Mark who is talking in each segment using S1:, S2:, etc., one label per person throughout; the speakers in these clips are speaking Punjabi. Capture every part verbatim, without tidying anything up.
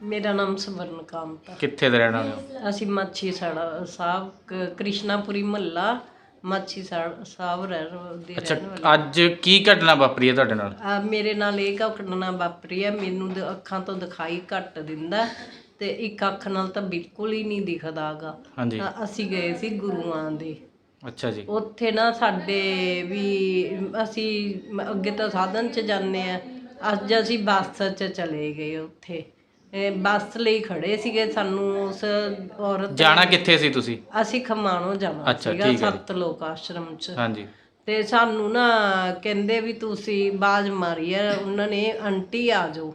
S1: ਮੇਰਾ ਨਾਮ ਸਵਰਨ ਕਾਂਤ ਆ।
S2: ਕਿੱਥੇ ਦੇ ਰਹਿਣ ਵਾਲੇ ਹੋ?
S1: ਅਸੀਂ ਮਾਛੀ ਸਾੜਾ ਸਾਹਿਬ ਕ- ਕ੍ਰਿਸ਼ਨਾਪੁਰੀ ਮਹੱਲਾ ਮਾਛੀ ਸਾੜ- ਸਾਹਿਬ ਰਹਿਣ ਦੇ
S2: ਅੱਛਾ,
S1: ਰਹਿਣ ਵਾਲੇ।
S2: ਅੱਜ ਕੀ ਘਟਨਾ ਵਾਪਰੀ ਹੈ ਤੁਹਾਡੇ ਨਾਲ?
S1: ਆ ਮੇਰੇ ਨਾਲ ਇਹ ਘਟਨਾ ਵਾਪਰੀ ਹੈ। ਮੈਨੂੰ ਦ- ਅੱਖਾਂ ਤੋਂ ਦਿਖਾਈ ਘੱਟ ਦਿੰਦਾ ਤੇ ਇੱਕ ਅੱਖ ਨਾਲ ਤਾਂ ਬਿਲਕੁਲ ਹੀ ਨਹੀਂ ਦਿਖਦਾਗਾ।
S2: ਹਾਂਜੀ।
S1: ਅਸੀਂ ਗਏ ਸੀ ਗੁਰੂਆਂ ਦੇ,
S2: ਅੱਛਾ ਜੀ।
S1: ਉੱਥੇ ਨਾ ਸਾਡੇ ਵੀ ਅਸੀਂ ਮ- ਅੱਗੇ ਤਾਂ ਸਾਧਨ 'ਚ ਜਾਂਦੇ ਆ, ਅੱਜ ਅਸੀਂ ਬੱਸ 'ਚ ਚਲੇ ਗਏ। ਉੱਥੇ ਇਹ ਬੱਸ ਲਈ ਖੜੇ ਸੀਗੇ। ਸਾਨੂੰ ਉਸ ਔਰਤ
S2: ਜਾਣਾ ਕਿੱਥੇ ਸੀ ਤੁਸੀਂ?
S1: ਅਸੀਂ ਖਮਾਣੋਂ ਜਾਣਾ
S2: ਅੱਛਾ,
S1: ਸੀਗਾ
S2: ਠੀਕ ਹੈ ਜੀ।
S1: ਸੱਤ ਲੋਕ ਆਸ਼ਰਮ 'ਚ।
S2: ਹਾਂਜੀ।
S1: ਤੇ ਸਾਨੂੰ ਨਾ ਕਹਿੰਦੇ ਵੀ ਤੁਸੀਂ ਆਵਾਜ਼ ਮਾਰੀ ਆ ਉਹਨਾਂ ਨੇ, ਆਂਟੀ ਆ ਜਾਓ।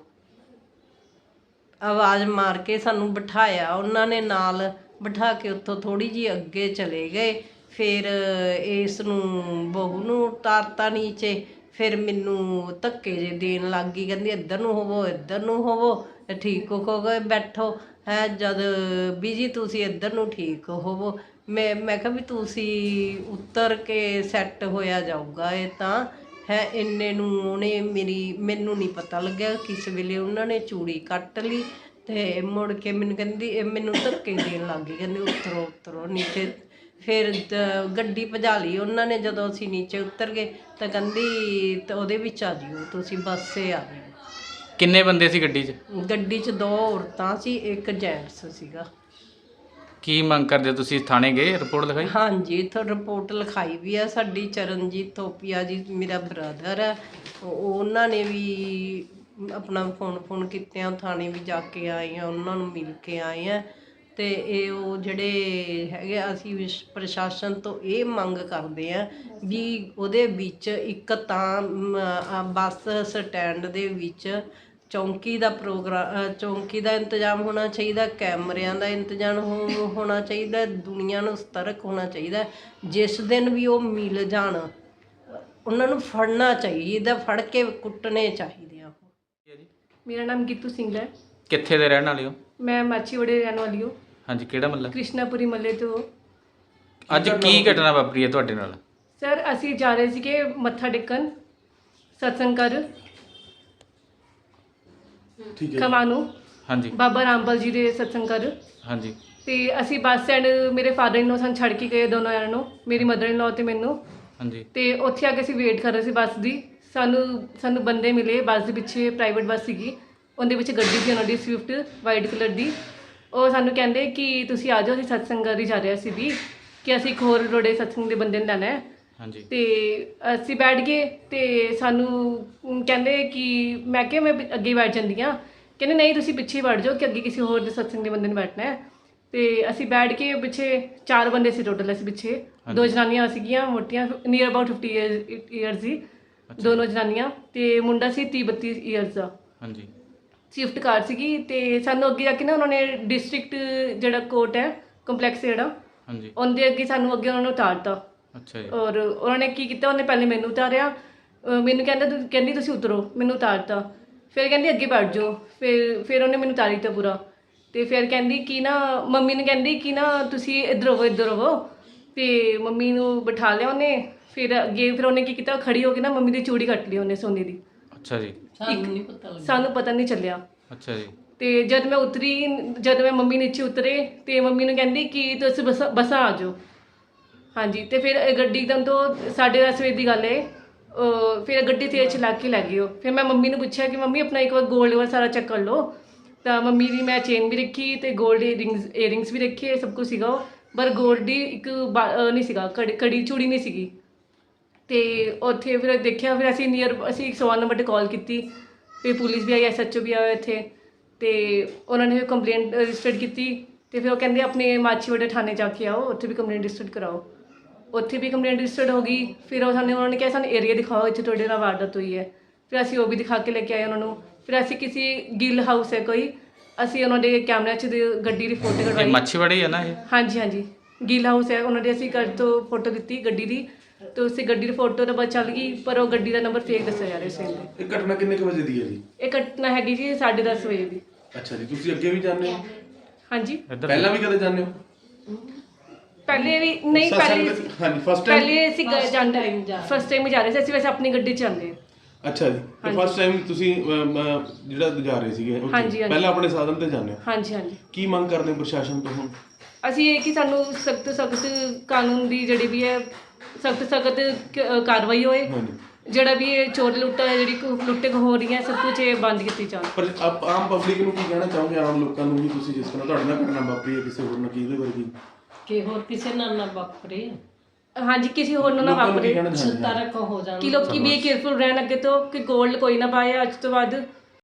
S1: ਆਵਾਜ਼ ਮਾਰ ਕੇ ਸਾਨੂੰ ਬਿਠਾਇਆ ਉਹਨਾਂ ਨੇ, ਨਾਲ ਬਿਠਾ ਕੇ ਉੱਥੋਂ ਥੋੜੀ ਜਿਹੀ ਅੱਗੇ ਚਲੇ ਗਏ। ਫਿਰ ਇਸ ਨੂੰ ਬਹੂ ਨੂੰ ਉਤਾਰਤਾ ਨੀਚੇ। ਫਿਰ ਮੈਨੂੰ ਧੱਕੇ ਜੇ ਦੇਣ ਲੱਗ ਗਈ, ਕਹਿੰਦੀ ਇੱਧਰ ਨੂੰ ਹੋਵੋ, ਇੱਧਰ ਨੂੰ ਹੋਵੋ, ਠੀਕ ਹੋ ਗਏ ਬੈਠੋ ਹੈ। ਜਦ ਵੀ ਜੀ ਤੁਸੀਂ ਇੱਧਰ ਨੂੰ ਠੀਕ ਹੋਵੋ। ਮੈਂ ਮੈਂ ਕਿਹਾ ਵੀ ਤੁਸੀਂ ਉੱਤਰ ਕੇ ਸੈੱਟ ਹੋਇਆ ਜਾਊਗਾ ਇਹ ਤਾਂ ਹੈ। ਇੰਨੇ ਨੂੰ ਉਹਨੇ ਮੇਰੀ ਮੈਨੂੰ ਨਹੀਂ ਪਤਾ ਲੱਗਿਆ ਕਿਸ ਵੇਲੇ ਉਹਨਾਂ ਨੇ ਚੂੜੀ ਕੱਟ ਲਈ ਤੇ ਮੁੜ ਕੇ ਮੈਨੂੰ ਕਹਿੰਦੀ ਇਹ ਮੈਨੂੰ ਧੱਕੇ ਦੇਣ ਲੱਗ ਗਈ, ਕਹਿੰਦੀ ਉਤਰੋ ਉਤਰੋ ਨੀਚੇ। ਫਿਰ ਦ- ਗੱਡੀ ਭਜਾ ਲਈ ਉਹਨਾਂ ਨੇ। ਜਦੋਂ ਅਸੀਂ ਨੀਚੇ ਉਤਰ ਗਏ ਤਾਂ ਕਹਿੰਦੀ ਤਾਂ ਉਹਦੇ ਵਿੱਚ ਆ ਜਿਓ ਤੁਸੀਂ, ਬੱਸੇ ਆ ਜਿਓ।
S2: ਕਿੰਨੇ ਬੰਦੇ ਸੀ ਗੱਡੀ 'ਚ?
S1: ਗੱਡੀ 'ਚ ਦੋ ਔਰਤਾਂ ਸੀ, ਇੱਕ ਜੈਂਟਸ ਸੀਗਾ।
S2: ਕੀ ਮੰਗ ਕਰਦੇ ਹੋ ਤੁਸੀਂ? ਥਾਣੇ ਗਏ, ਰਿਪੋਰਟ ਲਿਖਾਈ?
S1: ਹਾਂਜੀ, ਇੱਥੋਂ ਰਿਪੋਰਟ ਲਿਖਾਈ ਵੀ ਆ। ਸਾਡੀ ਚਰਨਜੀਤ ਥੋਪੀਆ ਜੀ ਮੇਰਾ ਬ੍ਰਦਰ ਹੈ, ਉਹ- ਉਹਨਾਂ ਨੇ ਵੀ ਆਪਣਾ ਫੋਨ ਫੋਨ ਕੀਤਿਆਂ ਥਾਣੇ ਵੀ ਜਾ ਕੇ ਆਏ ਆ, ਉਹਨਾਂ ਨੂੰ ਮਿਲ ਕੇ ਆਏ ਆ। ਤੇ ਇਹ ਉਹ ਜਿਹੜੇ ਹੈਗੇ ਆ, ਅਸੀਂ ਵਿਸ਼- ਪ੍ਰਸ਼ਾਸਨ ਤੋਂ ਇਹ ਮੰਗ ਕਰਦੇ ਆ ਵੀ ਉਹਦੇ ਵਿੱਚ ਇੱਕ ਤਾਂ ਮ, ਆ ਬੱਸ ਸਟੈਂਡ ਦੇ ਵਿੱਚ ਚੌਂਕੀ ਦਾ ਪ੍ਰੋਗਰਾਮ ਚੌਂਕੀ ਦਾ ਇੰਤਜ਼ਾਮ ਹੋਣਾ ਚਾਹੀਦਾ, ਕੈਮਰਿਆਂ ਦਾ ਇੰਤਜ਼ਾਮ ਹੋ- ਹੋਣਾ ਚਾਹੀਦਾ, ਦੁਨੀਆ ਨੂੰ ਸਤਰਕ ਹੋਣਾ ਚਾਹੀਦਾ। ਜਿਸ ਦਿਨ ਵੀ ਉਹ ਮਿਲ ਜਾਣ ਉਹਨਾਂ ਨੂੰ ਫੜਨਾ ਚਾਹੀਦਾ, ਫੜ ਕੇ ਕੁੱਟਣੇ ਚਾਹੀਦੇ ਆ।
S3: ਮੇਰਾ ਨਾਮ ਗੀਤੂ ਸਿੰਘ ਹੈ।
S2: ਕਿੱਥੇ ਦੇ ਰਹਿਣ ਵਾਲੇ ਹੋ?
S3: ਮੈਂ ਮਾਛੀਵਾੜੇ ਰਹਿਣ ਵਾਲੀ ਹਾਂ।
S2: ਹਾਂਜੀ, ਕਿਹੜਾ ਮਹੱਲਾ?
S3: ਕ੍ਰਿਸ਼ਨਾਪੁਰੀ ਮੱਲੇ ਤੋਂ।
S2: ਅੱਜ ਕੀ ਘਟਨਾ ਵਾਪਰੀ ਹੈ ਤੁਹਾਡੇ ਨਾਲ?
S3: ਸਰ ਅਸੀਂ ਜਾ ਰਹੇ ਸੀਗੇ ਮੱਥਾ ਟੇਕਣ ਸਤਸੰਗ ਕਰ ਖਮਾਣੋਂ,
S2: ਹਾਂਜੀ।
S3: ਬਾਬਾ ਰਾਮਪਾਲ ਜੀ ਦੇ ਸਤਸੰਗ ਕਰ।
S2: ਹਾਂਜੀ।
S3: ਤੇ ਅਸੀਂ ਬੱਸ ਸਟੈਂਡ, ਮੇਰੇ ਫਾਦਰ ਇਨ ਲੋ ਸਾਨੂੰ ਛੱਡ ਕੇ ਗਏ ਦੋਨੋਂ ਜਣਿਆਂ ਨੂੰ, ਮੇਰੀ ਮਦਰ ਇਨ ਲੋ ਤੇ ਮੈਨੂੰ।
S2: ਹਾਂਜੀ।
S3: ਤੇ ਉੱਥੇ ਆ ਕੇ ਅਸੀਂ ਵੇਟ ਕਰ ਰਹੇ ਸੀ ਬੱਸ ਦੀ। ਸਾਨੂੰ ਸਾਨੂੰ ਬੰਦੇ ਮਿਲੇ ਬੱਸ ਦੇ ਪਿੱਛੇ, ਪ੍ਰਾਈਵੇਟ ਬੱਸ ਸੀਗੀ, ਉਹਦੇ ਵਿੱਚ ਗੱਡੀ ਸੀ ਉਹਨਾਂ ਦੀ ਸਵਿਫਟ ਵਾਈਟ ਕਲਰ ਦੀ। ਉਹ ਸਾਨੂੰ ਕਹਿੰਦੇ ਕਿ ਤੁਸੀਂ ਆ ਜਾਓ, ਅਸੀਂ ਸਤਸੰਗ ਕਰ ਹੀ ਜਾ ਰਹੇ ਸੀ ਵੀ, ਕਿ ਅਸੀਂ ਇੱਕ ਹੋਰ ਰੋੜੇ ਸਤਸੰਗ ਦੇ ਬੰਦੇ ਨੂੰ ਲੈਣਾ ਹੈ।
S2: ਹਾਂਜੀ।
S3: ਤੇ ਅਸੀਂ ਬੈਠ ਗਏ ਤੇ ਸਾਨੂੰ ਕਹਿੰਦੇ ਕਿ ਮੈਂ ਕਿਹਾ ਮੈਂ ਪਿ- ਅੱਗੇ ਬੈਠ ਜਾਂਦੀ ਹਾਂ। ਕਹਿੰਦੇ ਨਹੀਂ ਤੁਸੀਂ ਪਿੱਛੇ ਹੀ ਬੈਠ ਜਾਓ ਕਿ ਅੱਗੇ ਕਿਸੇ ਹੋਰ ਦੇ ਸਤਸੰਗ ਦੇ ਬੰਦੇ ਨੇ ਬੈਠਣਾ ਹੈ। ਤੇ ਅਸੀਂ ਬੈਠ ਕੇ ਪਿੱਛੇ ਚਾਰ ਬੰਦੇ ਸੀ ਟੋਟਲ, ਅਸੀਂ ਪਿੱਛੇ ਦੋ ਜਨਾਨੀਆਂ ਸੀਗੀਆਂ ਮੋਟੀਆਂ, ਨੀਅਰ ਅਬਾਊਟ ਫਿਫਟੀ ਈਅਰਸ ਦੀ ਦੋਨੋਂ ਜਨਾਨੀਆਂ, ਤੇ ਮੁੰਡਾ ਸੀ ਤੀਹ ਬੱਤੀ ਈਅਰਸ ਦਾ।
S2: ਹਾਂਜੀ।
S3: ਸਵਿਫਟ ਕਾਰ ਸੀਗੀ। ਤੇ ਸਾਨੂੰ ਅੱਗੇ ਜਾ ਕੇ ਨਾ ਉਹਨਾਂ ਨੇ ਡਿਸਟ੍ਰਿਕਟ ਜਿਹੜਾ ਕੋਰਟ ਹੈ ਕੰਪਲੈਕਸ ਜਿਹੜਾ,
S2: ਹਾਂਜੀ।
S3: ਉਹਦੇ ਅੱਗੇ ਸਾਨੂੰ ਅੱਗੇ ਉਹਨਾਂ ਨੂੰ ਉਤਾਰਤਾ।
S2: ਅੱਛਾ ਜੀ।
S3: ਔਰ ਉਹਨਾਂ ਨੇ ਕੀ ਕੀਤਾ, ਉਹਨੇ ਪਹਿਲੇ ਮੈਨੂੰ ਉਤਾਰਿਆ, ਅਹ ਮੈਨੂੰ ਕਹਿੰਦਾ ਤੂੰ ਕਹਿੰਦੀ ਤੁਸੀਂ ਉਤਰੋ, ਮੈਨੂੰ ਉਤਾਰਤਾ। ਫਿਰ ਕਹਿੰਦੀ ਅੱਗੇ ਬੈਠ ਜਾਓ। ਫਿਰ ਫਿਰ ਉਹਨੇ ਮੈਨੂੰ ਉਤਾਰੀ ਦਿੱਤਾ ਪੂਰਾ। ਤੇ ਫਿਰ ਕਹਿੰਦੀ ਕਿ ਨਾ ਮੰਮੀ ਨੇ ਕਹਿੰਦੀ ਕਿ ਨਾ ਤੁਸੀਂ ਇੱਧਰ ਹੋਵੋ ਇੱਧਰ ਹੋਵੋ। ਤੇ ਮੰਮੀ ਨੂੰ ਬਿਠਾ ਲਿਆ ਉਹਨੇ। ਫਿਰ ਅੱਗੇ ਫਿਰ ਉਹਨੇ ਕੀ ਕੀਤਾ, ਖੜੀ ਹੋ ਕੇ ਨਾ ਮੰਮੀ ਦੀ ਚੂੜੀ ਕੱਟ ਲਈ ਉਹਨੇ ਸੋਨੇ ਦੀ।
S2: ਅੱਛਾ ਜੀ।
S1: ਸਾਨੂੰ ਨਹੀਂ ਪਤਾ ਲੱਗਿਆ।
S3: ਸਾਨੂੰ ਪਤਾ ਨਹੀਂ ਚੱਲਿਆ।
S2: ਅੱਛਾ ਜੀ।
S3: ਤੇ ਜਦ ਮੈਂ ਉਤਰੀ, ਜਦ ਮੈਂ ਮੰਮੀ ਨੀਚੇ ਉਤਰੇ ਤੇ ਮੰਮੀ ਨੂੰ ਕਹਿੰਦੀ ਕਿ ਤੁਸੀਂ ਬਸ ਬੱਸਾਂ ਆ ਜਾਓ। ਹਾਂਜੀ। ਤੇ ਫਿਰ ਇਹ ਗੱਡੀ ਇੱਕਦਮ ਤੋਂ ਸਾਢੇ ਦਸ ਵਜੇ ਦੀ ਗੱਲ ਹੈ। ਅਹ ਫਿਰ ਗੱਡੀ ਤੇਜ਼ ਚਲਾ ਕੇ ਲੈ ਗਈ ਉਹ। ਫਿਰ ਮੈਂ ਮੰਮੀ ਨੂੰ ਪੁੱਛਿਆ ਕਿ ਮੰਮੀ ਆਪਣਾ ਇੱਕ ਵਾਰ ਗੋਲਡ ਵਾਲਾ ਸਾਰਾ ਚੈੱਕ ਕਰ ਲਓ। ਤਾਂ ਮੰਮੀ ਦੀ ਮੈਂ ਚੇਨ ਵੀ ਰੱਖੀ ਤੇ ਗੋਲਡ ਈਅਰਿੰਗਸ ਈਅਰਿੰਗਸ ਵੀ ਰੱਖੇ, ਸਭ ਕੁਝ ਸੀਗਾ ਉਹ, ਪਰ ਗੋਲਡ ਦੀ ਇੱਕ ਬਾ- ਅਹ ਨਹੀਂ ਸੀਗਾ, ਕੜੀ ਕੜੀ ਚੂੜੀ ਨਹੀਂ ਸੀਗੀ। ਤੇ ਉੱਥੇ ਫਿਰ ਦੇਖਿਆ, ਫਿਰ ਅਸੀਂ ਨੀਅਰ ਅਸੀਂ ਇੱਕ ਸੌ ਨੰਬਰ 'ਤੇ ਕਾਲ ਕੀਤੀ। ਫਿਰ ਪੁਲਿਸ ਵੀ ਆਈ, ਐਸ ਐਚ ਓ ਵੀ ਆਇਆ ਇੱਥੇ। ਤੇ ਉਹਨਾਂ ਨੇ ਫਿਰ ਕੰਪਲੇਂਟ ਰਜਿਸਟਰਡ ਕੀਤੀ। ਤੇ ਫਿਰ ਉਹ ਕਹਿੰਦੇ ਆਪਣੇ ਮਾਛੀਵਾੜੇ ਥਾਣੇ ਜਾ ਕੇ ਆਓ, ਉੱਥੇ ਵੀ ਕੰਪਲੇਂਟ ਰਜਿਸਟਰਡ ਕਰਾਓ। ਉੱਥੇ ਵੀ ਕੰਪਲੇਂਟ ਰਜਿਸਟਰਡ ਹੋ ਗਈ। ਫਿਰ ਉਹ ਸਾਨੂੰ ਉਹਨਾਂ ਨੇ ਕਿਹਾ ਸਾਨੂੰ ਏਰੀਆ ਦਿਖਾਓ ਇੱਥੇ ਤੁਹਾਡੇ ਨਾਲ ਵਾਰਦਾਤ ਹੋਈ ਹੈ। ਫਿਰ ਅਸੀਂ ਉਹ ਵੀ ਦਿਖਾ ਕੇ ਲੈ ਕੇ ਆਏ ਉਹਨਾਂ ਨੂੰ। ਫਿਰ ਅਸੀਂ ਕਿਸੇ ਗਿੱਲ ਹਾਊਸ ਹੈ ਕੋਈ, ਅਸੀਂ ਉਹਨਾਂ ਦੇ ਕੈਮਰਿਆਂ 'ਚ ਦੇ- ਗੱਡੀ ਦੀ ਫੋਟੋ
S2: ਇਹ
S3: ਕਢਵਾਈ।
S2: ਮੱਛੀਵਾੜੀ ਹੈ ਨਾ ਇਹ?
S3: ਹਾਂਜੀ ਹਾਂਜੀ, ਗਿੱਲ ਹਾਊਸ ਹੈ ਉਹਨਾਂ ਦੇ। ਅਸੀਂ ਘਰ ਤੋਂ ਫੋਟੋ ਦਿੱਤੀ ਗੱਡੀ ਦੀ, ਤੇ ਉਸੇ ਗੱਡੀ ਦੀ ਫੋਟੋ ਤਾਂ ਬਸ ਚੱਲ ਗਈ, ਪਰ ਉਹ ਗੱਡੀ ਦਾ ਨੰਬਰ ਫੇਕ ਦੱਸਿਆ ਜਾ ਰਿਹਾ ਸੀ ਇਹਦੇ।
S4: ਇਹ ਘਟਨਾ ਕਿੰਨੇ ਕੁ ਵਜੇ ਦੀ ਹੈ ਜੀ?
S3: ਇਹ ਘਟਨਾ ਹੈਗੀ ਜੀ ਸਾਢੇ ਦਸ ਵਜੇ ਦੀ।
S4: ਅੱਛਾ ਜੀ। ਤੁਸੀਂ ਅੱਗੇ ਵੀ ਜਾਂਦੇ ਹੋ?
S3: ਹਾਂਜੀ।
S2: ਇੱਧਰ
S4: ਪਹਿਲਾਂ ਵੀ ਕਦੇ ਜਾਂਦੇ ਹੋ?
S3: ਪਹਿਲੇ ਵੀ ਨਹੀਂ, ਪਹਿਲੇ
S4: ਸਤਸੰਗ- ਹਾਂਜੀ, ਫਸਟ ਟਾਈਮ।
S3: ਪਹਿਲੇ ਅਸੀਂ ਗਏ ਜਾਂਦੇ ਫਸਟ ਟਾਈਮ ਹੀ ਜਾ ਰਹੇ ਸੀ ਅਸੀਂ, ਵੈਸੇ ਆਪਣੀ ਗੱਡੀ 'ਚ ਜਾਂਦੇ ਹਾਂ।
S4: ਅੱਛਾ ਜੀ ਤੇ ਫਸਟ ਟਾਈਮ ਤੁਸੀਂ ਅਮ, ਅਮ, ਜਿਹੜਾ ਜਾ ਰਹੇ ਸੀਗੇ ਉੱਥੇ,
S3: ਹਾਂਜੀ, ਹਾਂਜੀ।
S4: ਪਹਿਲਾਂ ਆਪਣੇ ਸਾਧਨ ਤੇ ਜਾਂਦੇ ਹੋ,
S3: ਹਾਂਜੀ ਹਾਂਜੀ
S4: ਕੀ ਮੰਗ ਕਰਦੇ ਹੋ ਪ੍ਰਸ਼ਾਸਨ ਤੋਂ ਹੁਣ?
S3: ਅਸੀਂ ਇਹ ਕਿ ਸਾਨੂੰ ਸਖਤ ਸਖਤ ਕਾਨੂੰਨ ਦੀ ਜਿਹੜੀ ਵੀ ਹੈ ਸਖਤ ਸਖਤ ਕਾਰਵਾਈ ਹੋਏ।
S4: ਹਾਂਜੀ
S3: ਜਿਹੜਾ ਵੀ ਇਹ ਚੋਰ ਲੁੱਟਾ ਹੈ ਜਿਹੜੀ ਕੁ- ਲੁੱਟੇ ਹੋ ਰਹੀ ਹੈ ਸਭ ਕੁਝ ਇਹ ਬੰਦ ਕੀਤੀ ਜਾਣ।
S4: ਪਰ ਆਪ ਆਮ ਪਬਲਿਕ ਨੂੰ ਕੀ ਕਹਿਣਾ ਚਾਹੋਗੇ, ਆਮ ਲੋਕਾਂ ਨੂੰ ਵੀ, ਤੁਸੀਂ ਜਿਸ ਤਰ੍ਹਾਂ ਤੁਹਾਡੇ ਨਾਲ ਘਟਨਾ ਵਾਪਰੀ ਹੈ ਕਿਸੇ ਹੋਰ ਨਾਲ, ਕੀ ਇਹਦੇ ਵਰਗੀ
S1: ਕਿ ਹੋਰ ਕਿਸੇ ਨਾਲ ਨਾ ਵਾਪਰੇ
S3: ਹਾਂਜੀ ਕਿਸੇ ਹੋਰ ਨੂੰ ਨਾ
S4: ਲੋਕਾਂ ਨੂੰ ਕੀ
S3: ਵਾਪਰੇ
S4: ਕਹਿਣਾ ਚਾਹੁੰਦੇ ਹੋ?
S1: ਤਰਕ ਹੋ ਜਾਣ।
S3: ਕਿ ਲੋਕੀ ਵੀ ਕੇਅਰਫੁਲ ਰਹਿਣ ਅੱਗੇ ਤੋਂ ਕਿ ਗੋਲਡ ਕੋਈ ਨਾ ਪਾਏ ਅੱਜ ਤੋਂ ਬਾਅਦ।